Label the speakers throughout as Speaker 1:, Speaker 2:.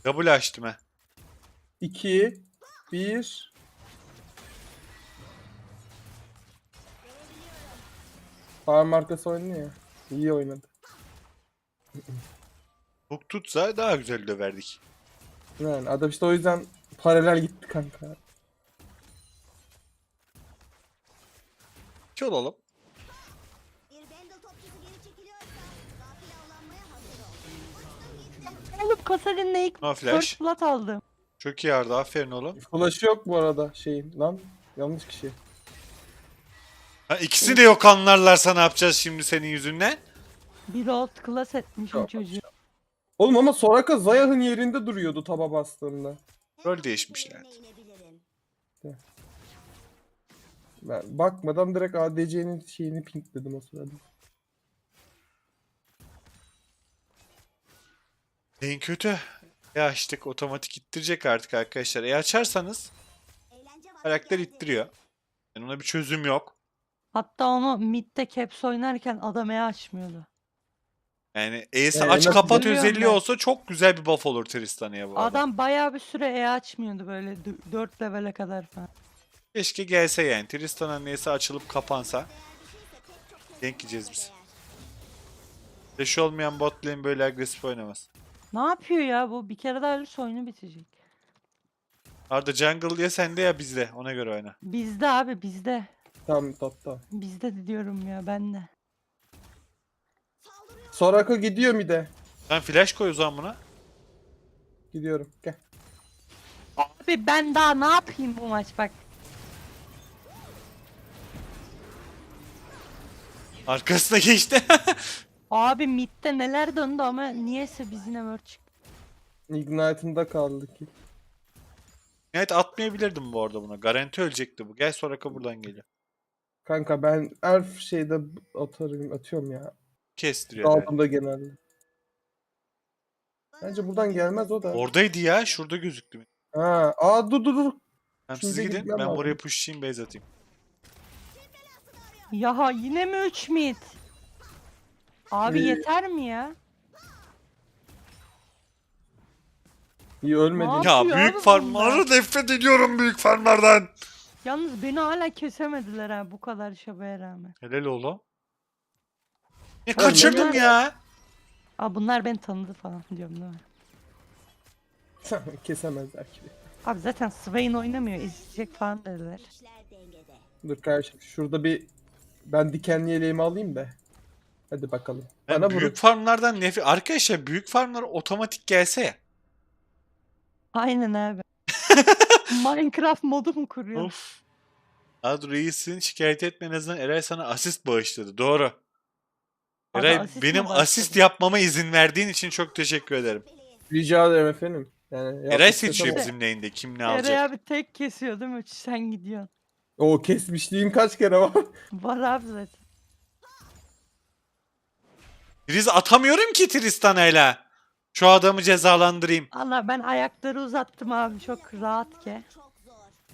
Speaker 1: Double açtım he.
Speaker 2: 2, 1. Farm markası oynuyor ya. İyi oynadı.
Speaker 1: Hook tutsa daha güzel döverdik.
Speaker 2: Yani adam işte o yüzden paralel gitti kanka.
Speaker 1: İki olalım.
Speaker 3: Bir Bendel topçusu geri çekiliyorsa gafil avlanmaya hazır ol.
Speaker 4: Oğlum Kasarin'le ilk
Speaker 1: No flash.
Speaker 4: First Blood aldım.
Speaker 1: Çok iyi Arda, aferin oğlum.
Speaker 2: Flash'ı yok bu arada şeyin. Lan yanlış kişi.
Speaker 1: Ha, ikisi de yok anlarlarsa ne yapacağız şimdi senin yüzünden?
Speaker 4: Bir old class etmişim
Speaker 2: Yok.
Speaker 4: çocuğu.
Speaker 2: Oğlum ama Soraka Zayah'ın yerinde duruyordu taba bastığında.
Speaker 1: Rol değişmişler.
Speaker 3: İnebilirim.
Speaker 2: Ben bakmadan direkt ADC'nin şeyini pinkledim o sırada.
Speaker 1: En kötü. Ya işte otomatik ittirecek artık arkadaşlar. Açarsanız
Speaker 3: Eğlence vakti
Speaker 1: karakter
Speaker 3: geldi.
Speaker 1: ittiriyor. Yani ona bir çözüm yok.
Speaker 4: Hatta onu midde caps oynarken adam açmıyordu.
Speaker 1: Yani E'si
Speaker 2: Yani
Speaker 1: aç
Speaker 2: nasıl
Speaker 1: kapat
Speaker 4: görüyorum
Speaker 1: özelliği
Speaker 4: ben?
Speaker 1: olsa çok güzel bir buff olur Tristan'a bu arada.
Speaker 4: Adam bayağı bir süre açmıyordu böyle 4 levele kadar falan.
Speaker 1: Keşke gelse yani. Tristan'ın E'si açılıp kapansa. Denk yiyeceğiz biz. Flash olmayan bot lane böyle agresif oynamaz.
Speaker 4: Ne yapıyor ya bu? Bir kere daha ölürse oyunu bitecek.
Speaker 1: Arda jungle ya sende ya bizde. Ona göre oyna.
Speaker 4: Bizde abi bizde.
Speaker 2: Tam tatta.
Speaker 4: Bizde de diyorum ya ben de.
Speaker 2: Soraka gidiyor mi de?
Speaker 1: Sen flash koy o zaman buna.
Speaker 2: Gidiyorum. Gel.
Speaker 4: Abi ben daha ne yapayım bu maç bak.
Speaker 1: Arkasına geçti.
Speaker 4: Abi midde neler döndü ama niyeyse biz yine word çıktı.
Speaker 2: Ignite'ında kaldı ki.
Speaker 1: Evet atmayabilirdim bu arada buna. Garanti ölecekti bu. Gel Soraka buradan geliyor.
Speaker 2: Kanka ben Elf şeyde atıyorum ya.
Speaker 1: Kestiriyor. Evet.
Speaker 2: Daldığımda genelde. Bence buradan gelmez o da.
Speaker 1: Oradaydı ya. Şurada gözüktü.
Speaker 2: Dur.
Speaker 1: Tamam,
Speaker 2: Şimdi
Speaker 1: siz gidin.
Speaker 2: gitmem
Speaker 1: Ben
Speaker 2: lazım.
Speaker 1: buraya pushlayayım, base atayım.
Speaker 4: Ya yine mi 3 mid? Abi
Speaker 2: İyi.
Speaker 4: yeter mi ya?
Speaker 2: İyi ölmedi.
Speaker 4: Ne
Speaker 1: Ya
Speaker 4: yapıyor
Speaker 1: büyük
Speaker 4: abi
Speaker 1: farmları
Speaker 4: bunlar?
Speaker 1: nefret ediyorum büyük farmlardan.
Speaker 4: Yalnız beni hala kesemediler ha bu kadar şabaya rağmen.
Speaker 1: Helal oğlum. Ne
Speaker 2: Oğlum,
Speaker 1: kaçırdım
Speaker 4: bunlar-
Speaker 1: ya.
Speaker 4: Aa bunlar beni tanıdı falan diyorum değil mi?
Speaker 2: Kesemezler ki.
Speaker 4: Abi zaten Swain oynamıyor izleyecek falan dediler.
Speaker 3: İşler dengede.
Speaker 2: Dur kardeşim şurada ben dikenli yeleğimi alayım da. Hadi bakalım.
Speaker 1: Ben
Speaker 2: Bana
Speaker 1: büyük
Speaker 2: vurun.
Speaker 1: farmlardan nefret... Arkadaşlar büyük farmlar otomatik gelse ya.
Speaker 4: Aynen abi. Minecraft modu mu kuruyor?
Speaker 1: Of. Ad Reis'in şikayet etme en azından Eray sana asist bağışladı. Doğru.
Speaker 4: Abi
Speaker 1: Eray
Speaker 4: asist mi
Speaker 1: benim
Speaker 4: bağışladı?
Speaker 1: asist yapmama izin verdiğin için çok teşekkür ederim.
Speaker 2: Rica ederim efendim. Yani
Speaker 1: Eray
Speaker 2: yapmak
Speaker 1: seçiyor
Speaker 2: istemem.
Speaker 1: bizim lane'de kim ne
Speaker 4: Eray
Speaker 1: alacak.
Speaker 4: abi tek kesiyor değil mi? Sen gidiyorsun.
Speaker 2: O kesmişliğim kaç kere var.
Speaker 4: Var abi zaten.
Speaker 1: Triz atamıyorum ki Tristana'yla. Şu adamı cezalandırayım.
Speaker 4: Allah ben ayakları uzattım abi çok rahat ki.
Speaker 3: Çok zor.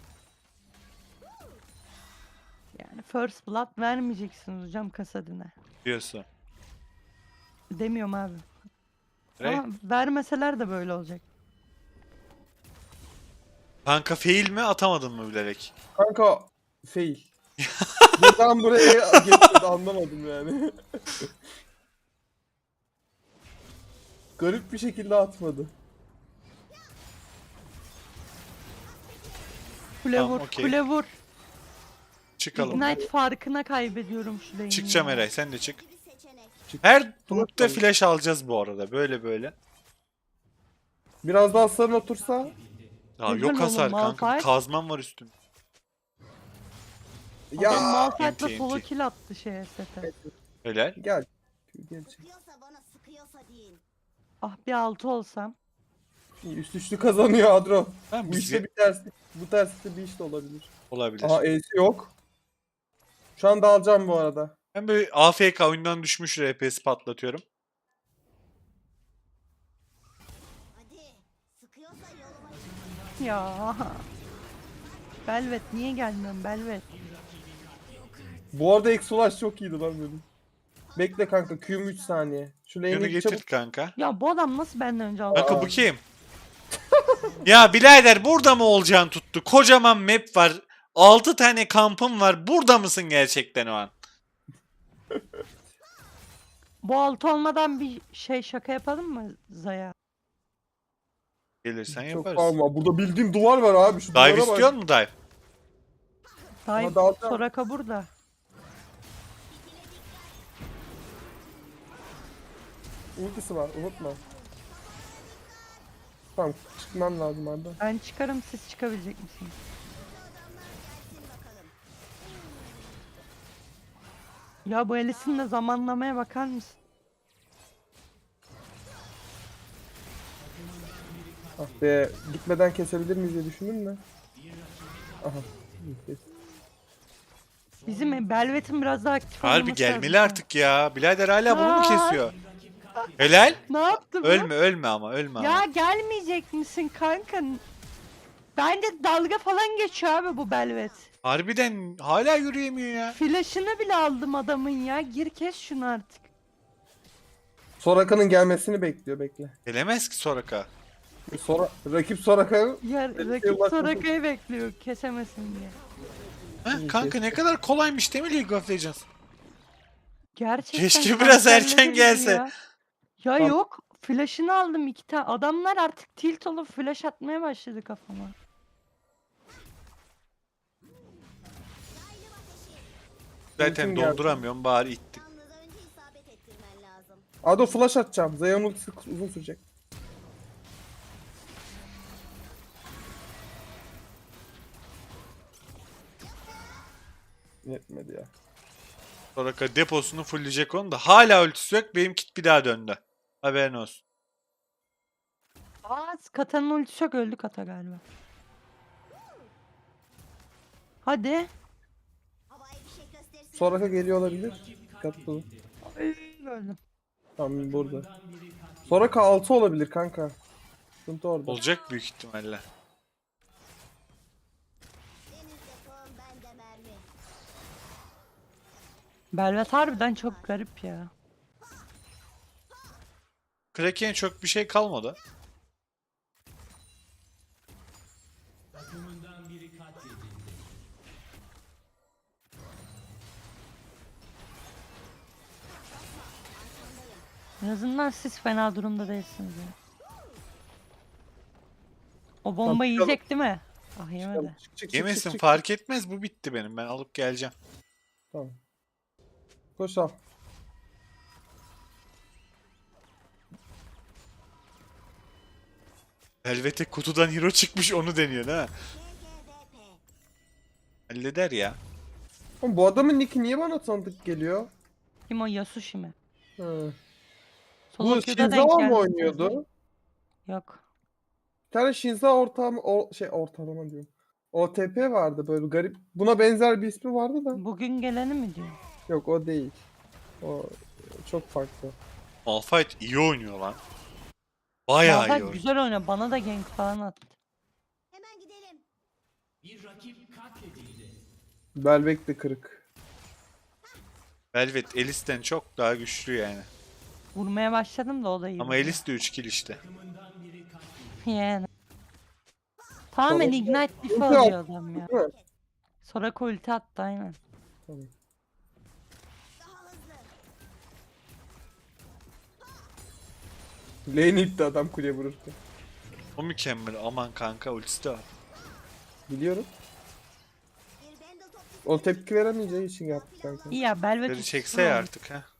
Speaker 4: Yani first blood vermeyeceksiniz hocam kasadine.
Speaker 1: Diyorsun.
Speaker 4: Demiyorum abi.
Speaker 1: Eray,
Speaker 4: Ama vermeseler de böyle olacak.
Speaker 1: kanka fail mi atamadın mı bilerek?
Speaker 2: Kanka fail. Buradan buraya geçmedi anlamadım yani. Garip bir şekilde atmadı.
Speaker 4: Kule
Speaker 1: Tamam,
Speaker 4: vur,
Speaker 1: okey.
Speaker 4: kule vur.
Speaker 1: Çıkalım.
Speaker 4: Ignite farkına kaybediyorum şu lane'i.
Speaker 1: Çıkacağım
Speaker 4: ya.
Speaker 1: Eray sen de çık.
Speaker 3: Bir seçenek.
Speaker 1: Her grupta
Speaker 2: bakalım.
Speaker 1: flash alacağız bu arada. Böyle.
Speaker 2: Biraz daha sarın otursa.
Speaker 1: Ya
Speaker 4: Güzel
Speaker 1: yok
Speaker 4: oğlum,
Speaker 1: hasar kanka.
Speaker 4: Malphite.
Speaker 1: Kazmam var üstümde.
Speaker 4: Adam
Speaker 2: Ya
Speaker 4: Malphite'la
Speaker 1: TNT.
Speaker 4: solo kill attı şeye sete.
Speaker 1: Helal.
Speaker 2: gel. Gel.
Speaker 3: Sıkıyorsa bana sıkıyorsa deyin.
Speaker 4: Ah bir altı olsam.
Speaker 2: Üst üçlü kazanıyor Adro.
Speaker 1: Ben
Speaker 2: Bu işte
Speaker 1: bizi
Speaker 2: bir terslik. Bu terslikte bir iş de olabilir.
Speaker 1: olabilir.
Speaker 2: Aha E'si yok. Şu anda alacağım bu arada.
Speaker 1: Ben böyle AFK oyundan düşmüş RP'si patlatıyorum.
Speaker 3: Hadi. Sıkıyorsa yoluma çık.
Speaker 4: Ya. Belvet niye gelmiyorsun Belvet?
Speaker 2: Bu arada Exolash çok iyiydi lan benim. Bekle kanka Q'm 3 saniye. Şu
Speaker 1: Yunu
Speaker 2: lane'i
Speaker 1: getir
Speaker 2: çabuk.
Speaker 1: kanka.
Speaker 4: Ya bu adam nasıl benden önce aldı?
Speaker 1: Kanka bu kim? Ya birader burada mı olacağın tuttu? Kocaman map var. 6 tane kampım var. Burada mısın gerçekten o an?
Speaker 4: Bu alt olmadan bir şey şaka yapalım mı Zaya?
Speaker 1: Gelirsen
Speaker 2: Çok
Speaker 1: yaparız.
Speaker 2: parma. Burada bildiğim duvar var abi. Şu
Speaker 1: Dive
Speaker 2: duvara bak.
Speaker 1: istiyor mu dive?
Speaker 4: Dayı
Speaker 2: Ama dalacağım.
Speaker 4: Soraka burada.
Speaker 2: Ultisi var unutma. Tamam çıkmam lazım Arda.
Speaker 4: Ben çıkarım, siz çıkabilecek misiniz? Ya bu Alice'in de zamanlamaya bakar mısın?
Speaker 2: Ah be gitmeden kesebilir miyiz diye düşündüm de. Aha. Kes.
Speaker 4: Bizim Belvet'in biraz daha aktif
Speaker 1: Harbi
Speaker 4: olması
Speaker 1: gelmeli
Speaker 4: lazım.
Speaker 1: artık ya. Birader hala bunu mu
Speaker 4: Aa.
Speaker 1: kesiyor? Helal.
Speaker 4: Ne yaptı bu?
Speaker 1: Ölme ölme ama ölme ama.
Speaker 4: Ya gelmeyecek misin kanka? Bence dalga falan geçiyor abi bu Belvet.
Speaker 1: Harbiden hala yürüyemiyor ya.
Speaker 4: Flash'ını bile aldım adamın ya. Gir kes şunu artık.
Speaker 2: Soraka'nın gelmesini bekliyor bekle.
Speaker 1: Gelemez ki Soraka.
Speaker 2: Rakip Soraka'nın
Speaker 4: Ya rakip
Speaker 2: ulaşmasın.
Speaker 4: Soraka'yı bekliyor kesemesin diye.
Speaker 1: Ha, kanka ne kadar kolaymış değil mi League of Legends?
Speaker 4: Gerçekten
Speaker 1: Keşke biraz
Speaker 4: kanserleri
Speaker 1: erken
Speaker 4: gibi
Speaker 1: gelse.
Speaker 4: Ya, ya
Speaker 2: Tamam.
Speaker 4: yok. Flash'ını aldım 2 tane. Adamlar artık tilt olup flash atmaya başladı kafama.
Speaker 1: Zaten
Speaker 2: Ultim geldi.
Speaker 1: donduramıyorum bari ittim.
Speaker 3: Yalnız önce isabet ettirmen lazım.
Speaker 2: Ado flash atacağım. Zaya'nın ultisi uzun sürecek. Yetmedi ya.
Speaker 1: Soraka deposunu fullleyecek onu da. Hala ultisi yok. Benim kit bir daha döndü. Haberin olsun.
Speaker 4: Aa, Kata'nın ultisi yok, öldü Kata galiba. Hadi.
Speaker 3: Havaya bir şey göstersin.
Speaker 2: Soraka geliyor olabilir. Dikkatli olun.
Speaker 4: Ay, öldüm.
Speaker 2: Tamam burada. Soraka 6 olabilir kanka. Sıkıntı orada.
Speaker 1: Olacak büyük ihtimalle.
Speaker 3: Denizde kum, bende mermi.
Speaker 4: Belvet harbiden çok garip ya.
Speaker 1: Kraken çok bir şey kalmadı.
Speaker 4: En azından siz fena durumda değilsiniz ya. O bomba
Speaker 2: çıkalım.
Speaker 4: yiyecek değil mi? Ah yemedi.
Speaker 2: Çık,
Speaker 1: Yemesin fark etmez, bu bitti benim. Ben alıp geleceğim.
Speaker 2: Tamam. Koş al.
Speaker 1: Helvete kutudan hero çıkmış, onu deniyor ha.
Speaker 3: GGVP.
Speaker 1: Halleder ya.
Speaker 2: Oğlum bu adamın nicki niye bana tanıdık geliyor?
Speaker 4: Kim o, Yasushi mi?
Speaker 2: Hı.
Speaker 4: Solo
Speaker 2: Bu
Speaker 4: queue'da denk
Speaker 2: Shinzawa mı
Speaker 4: geldi.
Speaker 2: oynuyordu?
Speaker 4: Yok.
Speaker 2: Bir tane Shinzawa ortalama diyorum. OTP vardı böyle garip. Buna benzer bir ismi vardı da.
Speaker 4: Bugün geleni mi diyor?
Speaker 2: Yok o değil. O çok farklı.
Speaker 1: Malphite iyi oynuyor lan. Bayağı iyi
Speaker 4: Malphite
Speaker 1: oynuyor.
Speaker 4: güzel oynuyor. Bana da gank falan attı.
Speaker 3: Hemen gidelim.
Speaker 2: Belbek de kırık.
Speaker 1: Velvet Elis'ten çok daha güçlü yani.
Speaker 4: Vurmaya başladım da o da iyi.
Speaker 1: Ama
Speaker 4: vuruyor.
Speaker 1: Elis de 3 kill işte.
Speaker 4: Yani. Tamamen
Speaker 2: Sonra-
Speaker 4: ignite diff
Speaker 2: Ulti
Speaker 4: alıyor
Speaker 2: at.
Speaker 4: adam ya.
Speaker 2: Değil mi?
Speaker 4: Soraka ulti attı aynen.
Speaker 2: Tamam.
Speaker 3: Daha hızlı.
Speaker 2: Lane itti adam kuleye vururken.
Speaker 1: O mükemmel. Aman kanka, ultisi de var.
Speaker 2: Biliyorum.
Speaker 3: Bir bundle top
Speaker 2: O tepki veremeyeceği için yaptı kanka.
Speaker 4: İyi ya Belvet
Speaker 1: Beni
Speaker 4: ultisi
Speaker 1: çekse ya
Speaker 4: var.
Speaker 1: artık ha.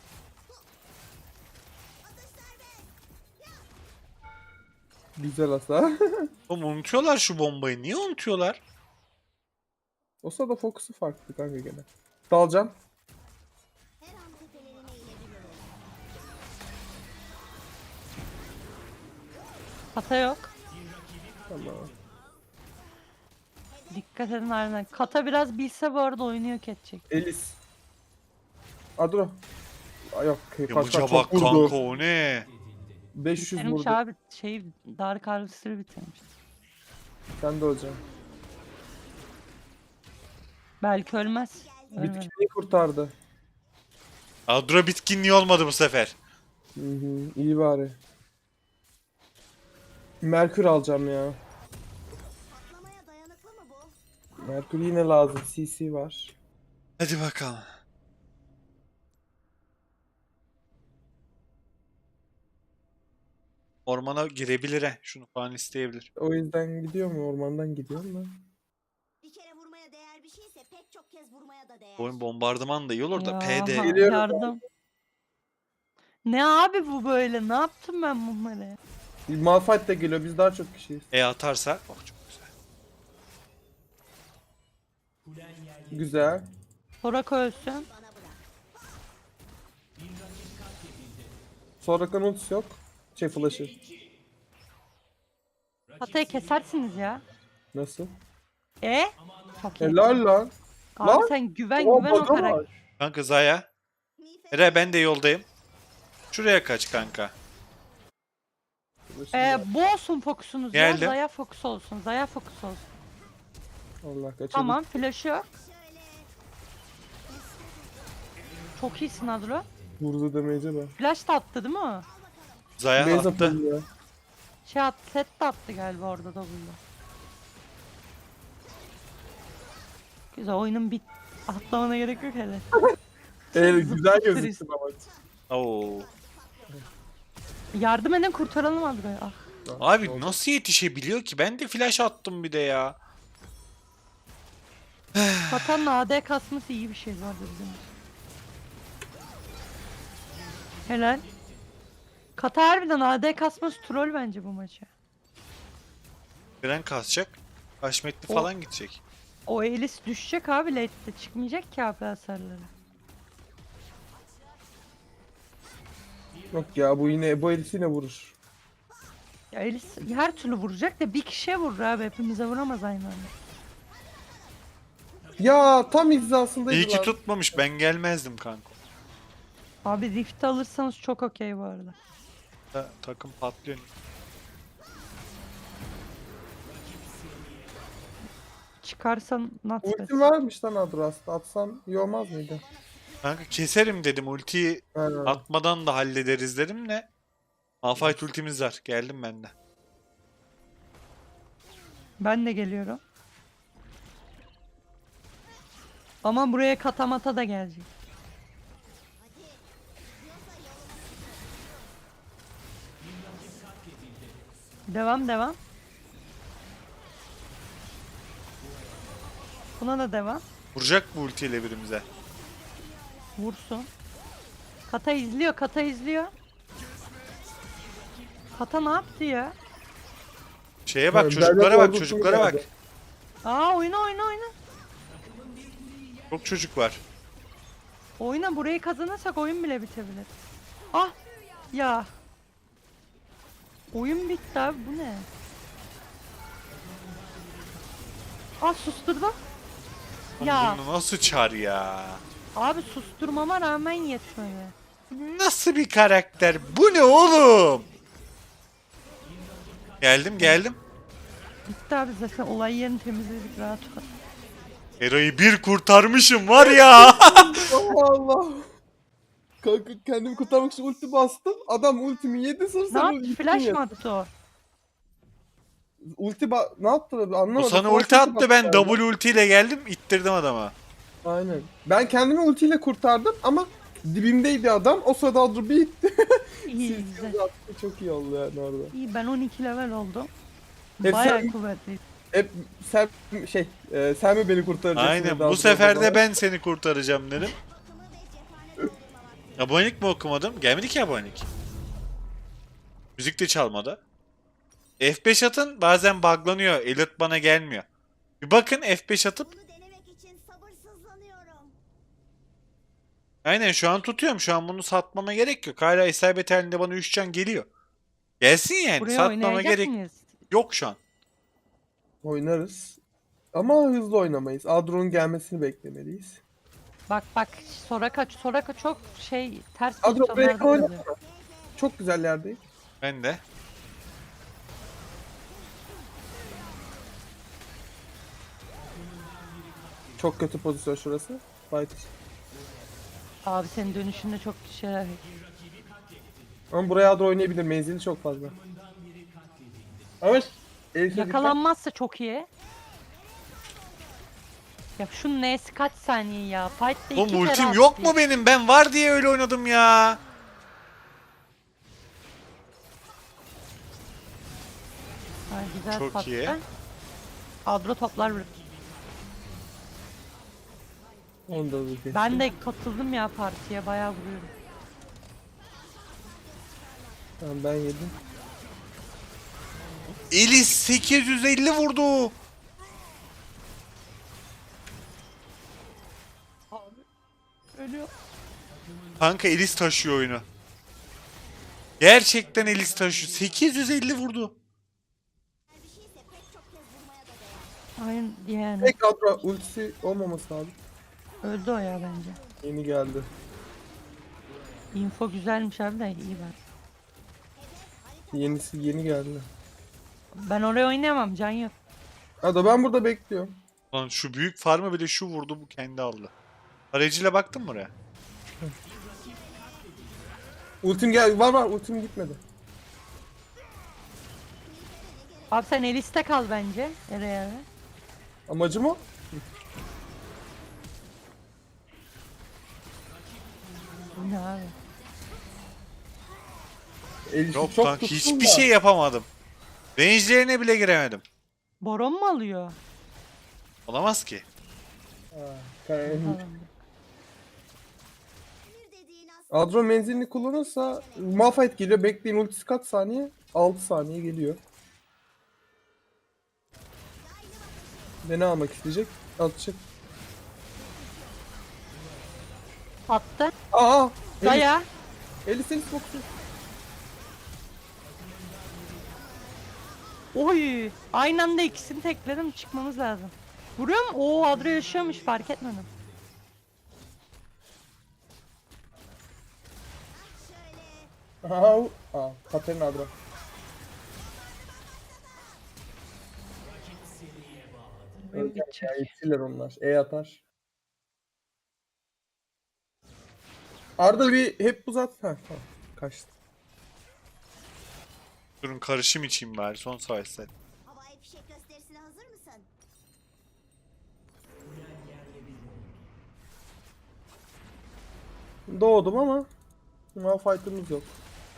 Speaker 2: Güzel hasar.
Speaker 1: Oğlum unutuyorlar şu bombayı. Niye unutuyorlar?
Speaker 2: O sırada fokusu farklı kanka gene. Dalacağım.
Speaker 3: her an tepelerine inebilirim.
Speaker 4: Kata yok.
Speaker 2: Tamam.
Speaker 4: Dikkat edin harbiden. Kata biraz bilse bu arada oyunu yok edecek.
Speaker 2: Elis. Adro. Ay yok.
Speaker 1: Yamıca
Speaker 2: Kaçak
Speaker 1: bak
Speaker 2: çok
Speaker 1: kanka,
Speaker 2: vurdu.
Speaker 1: o ne?
Speaker 2: 500
Speaker 4: Bitirmiş
Speaker 2: vurdu.
Speaker 4: abi şeyi, Dark Harvester'ı bitirmiş.
Speaker 2: Sen de olacaksın.
Speaker 4: Belki ölmez. Ölmez.
Speaker 2: Bitkiyi kurtardı.
Speaker 1: Adro bitkinliği olmadı bu sefer.
Speaker 2: Hı hı. İyi bari. Merkür alacağım ya.
Speaker 3: Patlamaya dayanıklı mı bu?
Speaker 2: Merkür yine lazım. CC var.
Speaker 1: Hadi bakalım. Ormana girebilir he. Şunu falan isteyebilir.
Speaker 2: O yüzden gidiyor mu? Ormandan gidiyorum da.
Speaker 3: Bir kere vurmaya değer bir şeyse pek çok kez vurmaya da değer.
Speaker 1: Bu oyun bombardıman da iyi olur da
Speaker 4: Ya,
Speaker 1: PD.
Speaker 2: Geliyorum.
Speaker 4: yardım. Ne abi bu böyle? Ne yaptım ben bunları?
Speaker 2: Malphite de geliyor. Biz daha çok kişiyiz.
Speaker 1: Atarsa. Oh çok güzel.
Speaker 2: Güzel.
Speaker 4: Soraka ölsün.
Speaker 3: Bana bırak.
Speaker 2: Sonra ultisi yok. Flash'ı.
Speaker 4: Hatayı kesersiniz ya.
Speaker 2: Nasıl?
Speaker 4: Çok iyi.
Speaker 2: Helal lan.
Speaker 4: Abi
Speaker 2: lan.
Speaker 4: sen güven
Speaker 2: Oha,
Speaker 4: güven o
Speaker 2: bug'a
Speaker 4: karakter.
Speaker 2: var.
Speaker 1: Kanka Zaya. Eray ben de yoldayım. Şuraya kaç kanka.
Speaker 4: Bu olsun fokusunuz ya.
Speaker 1: Geldim.
Speaker 4: Zaya fokus olsun. Zaya fokus olsun.
Speaker 2: Allah kaçırdı.
Speaker 4: Tamam flash'ı yok.
Speaker 3: Şöyle.
Speaker 4: Çok iyisin Adro.
Speaker 2: Vurdu damage'e bak.
Speaker 4: Flash da attı değil mi o?
Speaker 1: Zaya
Speaker 2: Base
Speaker 1: attı.
Speaker 2: atıldı ya.
Speaker 4: Şey attı, set de attı galiba orada da bunda. Güzel oyunun bit atlamana gerek yok hele.
Speaker 2: Güzel gözüktü ama.
Speaker 1: Oo.
Speaker 4: Yardım edin kurtaralım Adro'yu. Ah.
Speaker 1: Abi nasıl yetişebiliyor ki? Ben de flash attım bir de ya.
Speaker 4: Katan'ın AD kasması iyi bir şey vardı bizim. Helal. Kata harbiden AD kasması troll bence bu maçı.
Speaker 1: Gren kasacak. Haşmetli
Speaker 4: O-
Speaker 1: falan gidecek.
Speaker 4: O Elis düşecek abi late'de çıkmayacak ki AP hasarları.
Speaker 2: Yok ya bu Elis yine vurur.
Speaker 4: Ya Elis her türlü vuracak da bir kişiye vurur abi hepimize vuramaz aynı anda.
Speaker 2: Ya tam hizasındaydı
Speaker 1: İyi ki
Speaker 2: lan.
Speaker 1: tutmamış. Ben gelmezdim kanka.
Speaker 4: Abi Rift alırsanız çok okey bu arada.
Speaker 1: Takım patlıyor.
Speaker 4: Çıkarsan nuts
Speaker 2: Ultim varmış lan Adras'ta. Atsan iyi olmaz mıydı?
Speaker 1: Kanka keserim dedim. Ultiyi
Speaker 2: Ha.
Speaker 1: atmadan da hallederiz dedim de. Malphite ultimiz var. Geldim ben de.
Speaker 4: Ben de geliyorum. Ama buraya katamata da gelecek. Devam devam. Buna da devam.
Speaker 1: Vuracak bu ultiyle birimize.
Speaker 4: Vursun. Kata izliyor, kata izliyor. Kata ne yaptı ya?
Speaker 1: Şeye bak,
Speaker 2: Ben
Speaker 1: çocuklara
Speaker 2: de
Speaker 1: bak,
Speaker 2: korkuttum
Speaker 1: çocuklara bak.
Speaker 2: geldi.
Speaker 4: Oyna oyna oyna.
Speaker 1: Çok çocuk var.
Speaker 4: Oyna burayı kazanırsak oyun bile bitebilir. Ah ya. Oyun bitti abi bu ne? Susturdum. Ya
Speaker 1: Bunu nasıl çar ya?
Speaker 4: abi susturmama rağmen yetmedi.
Speaker 1: Nasıl bir karakter? Bu ne oğlum? Geldim geldim.
Speaker 4: Bitti abi zaten olay yerini temizledik rahat ol.
Speaker 1: Hero'yu bir kurtarmışım var ya.
Speaker 2: Allah Allah. Kanka kendimi kurtarmak için ulti bastım. Adam ultimi yedi sonra
Speaker 4: Ne
Speaker 2: sana
Speaker 4: yaptı?
Speaker 2: ultimi
Speaker 4: Flash
Speaker 2: yedi.
Speaker 4: mı attı o?
Speaker 2: Ne yaptı abi anlamadım.
Speaker 1: O sana
Speaker 2: Flash
Speaker 1: ulti attı,
Speaker 2: bastı
Speaker 1: ben
Speaker 2: yani.
Speaker 1: double ultiyle geldim, ittirdim adama.
Speaker 2: Aynen. Ben kendimi ultiyle kurtardım ama dibimdeydi adam. O sırada Adro bir itti.
Speaker 4: İyi
Speaker 2: Siz
Speaker 4: güzel.
Speaker 2: attı. Çok iyi oldu yani orada.
Speaker 4: İyi ben 12 level oldum.
Speaker 2: Hep
Speaker 4: Bayağı
Speaker 2: sen-
Speaker 4: kuvvetli.
Speaker 2: Hep sen mi beni kurtaracaksın?
Speaker 1: Aynen,
Speaker 2: dedi
Speaker 1: bu
Speaker 2: Adro
Speaker 1: sefer
Speaker 2: bana.
Speaker 1: de ben seni kurtaracağım dedim.
Speaker 3: Bakımı ve cephanelerine var.
Speaker 1: Abonelik mi okumadım? Gelmedi ki abonelik. Müzik de çalmadı. F5 atın, bazen buglanıyor. Alert bana gelmiyor. Bir bakın F5 atıp.
Speaker 3: Bunu denemek için sabırsızlanıyorum.
Speaker 1: Aynen şu an tutuyorum. Şu an bunu satmama gerek yok. Hala isabet halinde bana 3 can geliyor. Gelsin yani.
Speaker 4: Buraya
Speaker 1: Satmama
Speaker 4: oynayacak
Speaker 1: gerek
Speaker 4: mıyız?
Speaker 1: yok şu an.
Speaker 2: Oynarız. Ama hızlı oynamayız. Adro'nun gelmesini beklemeliyiz.
Speaker 4: Bak Soraka çok şey ters
Speaker 2: Adro break
Speaker 4: pozisyonlarda
Speaker 2: oyna.
Speaker 4: duruyor.
Speaker 2: Çok güzel yerdeyim.
Speaker 1: Ben de.
Speaker 2: Çok kötü pozisyon şurası. Fight.
Speaker 4: Abi senin dönüşünde çok şeyler.
Speaker 2: Ama buraya Adro oynayabilir. Menzili çok fazla. Ama Elif'e dikkat.
Speaker 4: Yakalanmazsa çok iyi. Ya şunun N'si kaç saniye ya? Fight'te iki
Speaker 1: Oğlum
Speaker 4: kere
Speaker 1: ultim
Speaker 4: attı
Speaker 1: yok
Speaker 4: ya.
Speaker 1: mu benim? Ben var diye öyle oynadım ya.
Speaker 4: Ha, güzel
Speaker 1: Çok
Speaker 4: patlı.
Speaker 1: iyi.
Speaker 4: Adro toplar vurur.
Speaker 2: Onu da bir
Speaker 4: Ben de katıldım ya partiye, bayağı vuruyorum.
Speaker 2: Tamam, ben yedim.
Speaker 1: Elis 850 vurdu.
Speaker 4: Ölüyor.
Speaker 1: Kanka Elis taşıyor oyunu. Gerçekten Elis taşıyor. 850 vurdu.
Speaker 3: Bir şeyse pek çok kez vurmaya da değer.
Speaker 4: Aynen yani.
Speaker 2: Tek Adro ultisi olmaması lazım.
Speaker 4: Öldü o ya bence.
Speaker 2: Yeni geldi.
Speaker 4: Info güzelmiş abi de iyi ben.
Speaker 2: Yenisi yeni geldi.
Speaker 4: Ben oraya oynayamam, can yok.
Speaker 2: Adro ben burada bekliyorum.
Speaker 1: Lan şu büyük farmı bile şu vurdu, bu kendi aldı. Aracıyla baktın mı oraya?
Speaker 2: Ultim gel var ultim gitmedi.
Speaker 4: Abi sen Elis'te kal bence. Nereye?
Speaker 2: Amacım o.
Speaker 4: Bu ne abi?
Speaker 2: Elif'i
Speaker 1: Yok
Speaker 2: çok
Speaker 1: kanka
Speaker 2: tuttum
Speaker 1: hiçbir
Speaker 2: da.
Speaker 1: şey yapamadım. Range'lerine bile giremedim.
Speaker 4: Boron mu alıyor?
Speaker 1: Olamaz ki.
Speaker 2: Ha, kay-
Speaker 4: Tamam.
Speaker 3: Emir dediğin aslında
Speaker 2: Adro menzilini kullanırsa Malphite geliyor. Bekleyin ultisi kaç saniye? 6 saniye geliyor. Ne almak isteyecek? Atacak.
Speaker 4: Attı.
Speaker 2: Aa! Elis,
Speaker 4: Daya.
Speaker 2: Elis boksu.
Speaker 4: Oy. Aynı anda ikisini tekledim, çıkmamız lazım. Vuruyor mu? Oo, Adro yaşıyormuş, fark etmedim.
Speaker 3: şöyle.
Speaker 2: Aa, Katerina Adro.
Speaker 4: Benim
Speaker 2: Ölecek
Speaker 4: gidecek.
Speaker 2: ya, yetişirler onlar. Atar. Arda bir hep uzat. Ha, tamam. Kaçtı.
Speaker 1: Durun karışım içeyim bari son savaşlar.
Speaker 3: Havai fişek gösterisine hazır mısın?
Speaker 2: Doğdum ama Malphite'ımız yok.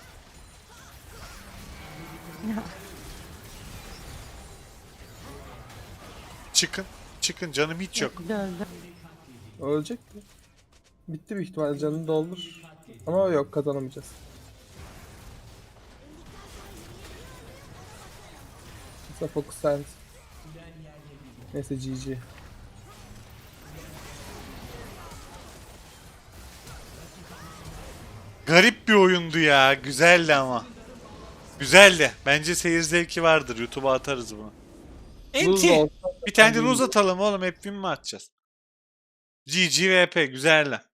Speaker 1: Çıkın. Çıkın canım hiç yok.
Speaker 4: Öldü öldü.
Speaker 2: Ölecek mi? Bitti büyük ihtimalle, canını doldur. Ama yok, kazanamayacağız. Mesela Focus Sense. Neyse GG.
Speaker 1: Garip bir oyundu ya. Güzeldi ama. Güzeldi. Bence seyir zevki vardır. YouTube'a atarız bunu.
Speaker 2: Buz da
Speaker 1: Enti.
Speaker 2: olsa
Speaker 1: Bir tane de uzatalım oğlum. Hep win mi atacağız? GG VP. Güzel lan.